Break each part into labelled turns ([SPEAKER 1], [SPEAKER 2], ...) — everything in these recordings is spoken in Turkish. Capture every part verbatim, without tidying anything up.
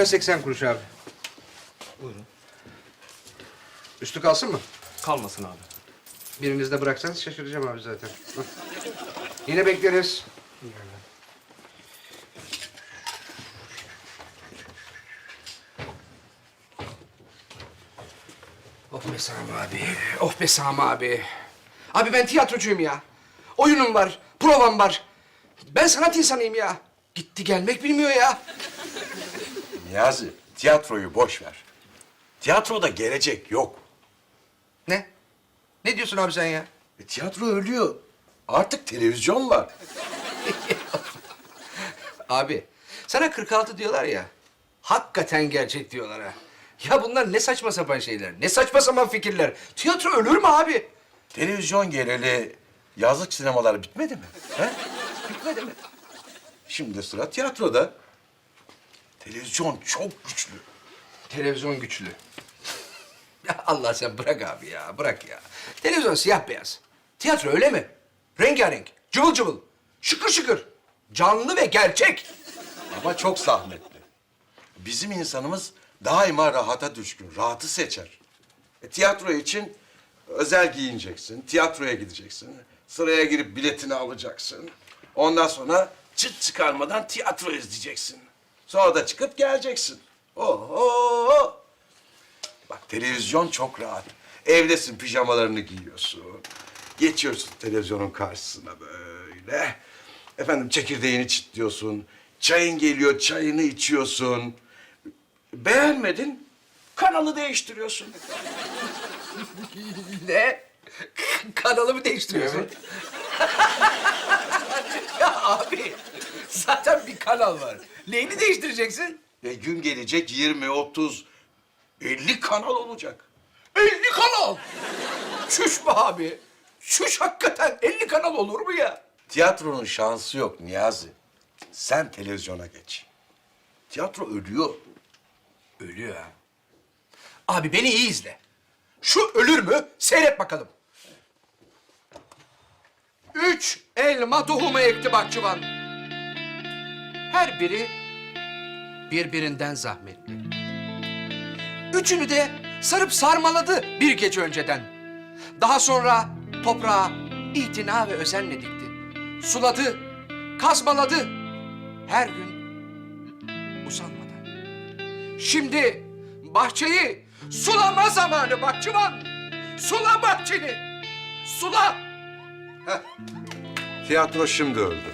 [SPEAKER 1] lira seksen kuruş abi.
[SPEAKER 2] Buyurun.
[SPEAKER 1] Üstü kalsın mı?
[SPEAKER 2] Kalmasın abi.
[SPEAKER 1] Biriniz de bıraksanız şaşıracağım abi zaten. Hı. Yine bekleriz. Of be Sami abi, of be Sami abi. Abi ben tiyatrocuyum ya. Oyunum var, provam var. Ben sanat insanıyım ya. Gitti gelmek bilmiyor ya.
[SPEAKER 3] Niyazi, tiyatroyu boş ver. Tiyatroda gelecek yok.
[SPEAKER 1] Ne? Ne diyorsun abi sen ya?
[SPEAKER 3] E, tiyatro ölüyor. Artık televizyon var.
[SPEAKER 1] Abi, sana kırk altı diyorlar ya. Hakikaten gerçek diyorlar ha. Ya bunlar ne saçma sapan şeyler, ne saçma sapan fikirler. Tiyatro ölür mü abi?
[SPEAKER 3] Televizyon geleli yazlık sinemalar bitmedi mi? He? Bitmedi mi? Şimdi sıra tiyatroda. Televizyon çok güçlü.
[SPEAKER 1] Televizyon güçlü. Ya Allah sen bırak abi ya, bırak ya. Televizyon siyah beyaz. Tiyatro öyle mi? Rengarenk, cıvıl cıvıl, şıkır şıkır. Canlı ve gerçek.
[SPEAKER 3] Ama çok zahmetli. Bizim insanımız daima rahata düşkün, rahatı seçer. E, tiyatro için özel giyineceksin, tiyatroya gideceksin. Sıraya girip biletini alacaksın. Ondan sonra çıt çıkarmadan tiyatro izleyeceksin. Sonra da çıkıp geleceksin. Oho! Bak televizyon çok rahat. Evdesin, pijamalarını giyiyorsun. Geçiyorsun televizyonun karşısına böyle. Efendim çekirdeğini çitliyorsun. Çayın geliyor, çayını içiyorsun. Beğenmedin, kanalı değiştiriyorsun.
[SPEAKER 1] Ne? Kanalımı değiştiriyorsun. Ya abi, zaten bir kanal var. Neyini değiştireceksin?
[SPEAKER 3] E, gün gelecek yirmi, otuz, elli kanal olacak.
[SPEAKER 1] elli kanal! Çüş be abi. Çüş hakikaten. elli kanal olur mu ya?
[SPEAKER 3] Tiyatronun şansı yok Niyazi. Sen televizyona geç. Tiyatro ölüyor.
[SPEAKER 1] Ölüyor ha. Abi beni iyi izle. Şu ölür mü? Seyret bakalım. Üç elma tohumu ekti bahçıvan. Her biri birbirinden zahmetli. Üçünü de sarıp sarmaladı bir gece önceden. Daha sonra toprağa itina ve özenle dikti. Suladı, kazmaladı. Her gün usanmadan. Şimdi bahçeyi sulama zamanı bahçıvan. Sula bahçeni. Sula.
[SPEAKER 3] Tiyatro şimdi öldü.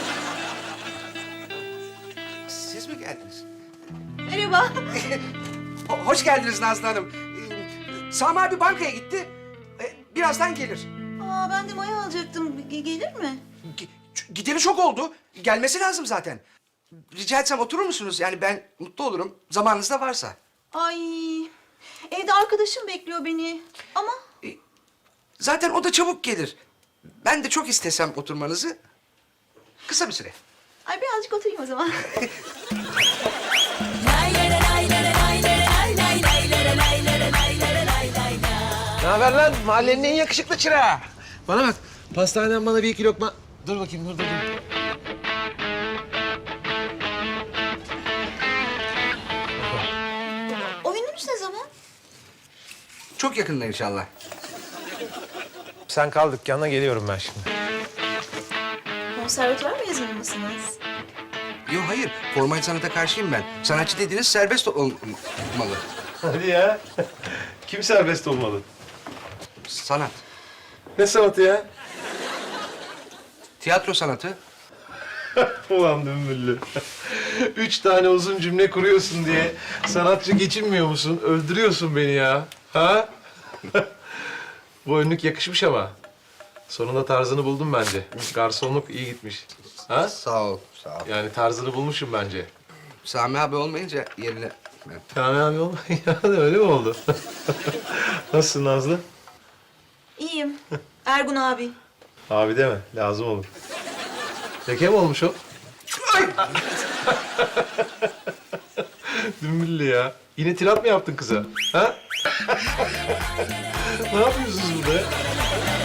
[SPEAKER 1] Siz mi geldiniz?
[SPEAKER 4] Merhaba.
[SPEAKER 1] Ho- Hoş geldiniz Nazlı Hanım. Ee, Sami abi bankaya gitti. Ee, birazdan gelir.
[SPEAKER 4] Aa, ben de maya alacaktım. Ge- gelir mi?
[SPEAKER 1] G- ç- Gideli çok oldu. Gelmesi lazım zaten. Rica etsem oturur musunuz? Yani ben mutlu olurum. Zamanınız da varsa.
[SPEAKER 4] Ay, evde arkadaşım bekliyor beni. Ama
[SPEAKER 1] Zaten o da çabuk gelir. Ben de çok istesem oturmanızı. Kısa bir süre.
[SPEAKER 4] ay birazcık oturayım o zaman.
[SPEAKER 5] Ne haber lan? Mahallenin en yakışıklı çırağı. Bana bak, pastaneden bana bir iki lokma... Dur bakayım, dur, dur, dur.
[SPEAKER 4] Oyununuz ne zaman?
[SPEAKER 1] Çok yakında inşallah.
[SPEAKER 5] Sen kal dükkana, geliyorum ben şimdi.
[SPEAKER 4] Konservatuvar mezunu musunuz?
[SPEAKER 1] Yok hayır, formal sanata karşıyım ben. Sanatçı dediğiniz serbest olmalı.
[SPEAKER 6] Hadi ya. Kim serbest olmalı?
[SPEAKER 1] Sanat.
[SPEAKER 6] Ne sanatı ya?
[SPEAKER 1] Tiyatro sanatı.
[SPEAKER 6] Ulan dümbüllü. Üç tane uzun cümle kuruyorsun diye sanatçı geçinmiyor musun? Öldürüyorsun beni ya. Ha? Bu önlük yakışmış ama. Sonunda tarzını buldum bence. Garsonluk iyi gitmiş. Ha?
[SPEAKER 1] Sağ ol, sağ ol.
[SPEAKER 6] Yani tarzını bulmuşum bence.
[SPEAKER 1] Sami abi olmayınca yerine... Ben...
[SPEAKER 6] Sami abi olma. Yani öyle mi oldu? Nasılsın Nazlı?
[SPEAKER 4] İyiyim. Ergun abi.
[SPEAKER 6] Abi deme. Lazım olur. Leke mi olmuş o? Dümbüllü ya. Yine tirat mı yaptın kıza? Ha? Ne yapıyorsunuz burada ya?